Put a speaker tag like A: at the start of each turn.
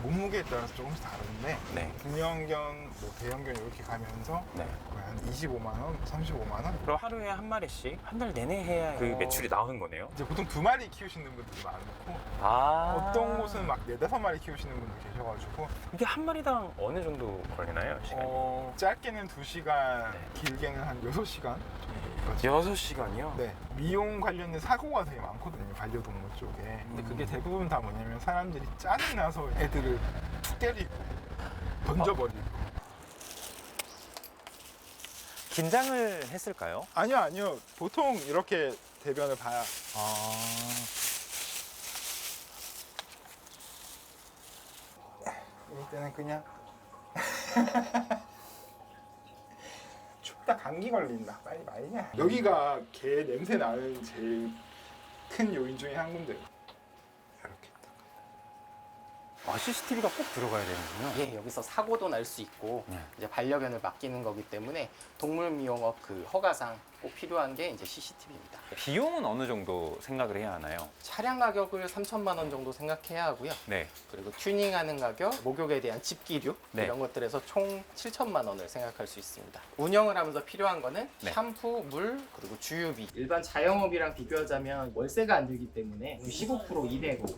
A: 몸무게에 따라서 조금씩 다른데
B: 네.
A: 중형견, 뭐 대형견 이렇게 가면서
B: 네.
A: 거의 한 25만 원, 35만 원.
B: 그럼 하루에 한 마리씩 한 달 내내 해야 그 매출이 나오는 거네요?
A: 이제 보통 2마리 키우시는 분들이 많고
B: 아.
A: 어떤 곳은 막 4-5마리 키우시는 분도 계셔가지고
B: 이게 한 마리당 어느 정도 걸리나요? 시간이?
A: 짧게는 2시간,
B: 네.
A: 길게는 한 6시간 정도까지.
B: 6시간이요?
A: 네, 미용 관련된 사고가 되게 많거든요, 반려동물 쪽에. 근데 그게 대부분 다 뭐냐면 사람들이 짜증나서 애들을 툭 때리고 던져버리고.
B: 긴장을 했을까요?
A: 아니요. 보통 이렇게 대변을 봐야. 이럴 때는 그냥 춥다, 감기 걸린다, 빨리 말이냐. 여기가 개 냄새 나는 제일 큰 요인 중에 한 군데. 이렇게 딱.
B: CCTV가 꼭 들어가야 되는군요.
C: 예, 여기서 사고도 날 수 있고
B: 네.
C: 이제 반려견을 맡기는 거기 때문에 동물 미용업 그 허가상 꼭 필요한 게 이제 CCTV입니다.
B: 비용은 어느 정도 생각을 해야 하나요?
C: 차량 가격을 3천만 원 정도 생각해야 하고요.
B: 네.
C: 그리고 튜닝하는 가격, 목욕에 대한 집기류
B: 네.
C: 이런 것들에서 총 7천만 원을 생각할 수 있습니다. 운영을 하면서 필요한 거는
B: 네.
C: 샴푸, 물, 그리고 주유비. 일반 자영업이랑 비교하자면 월세가 안 들기 때문에 15% 이내고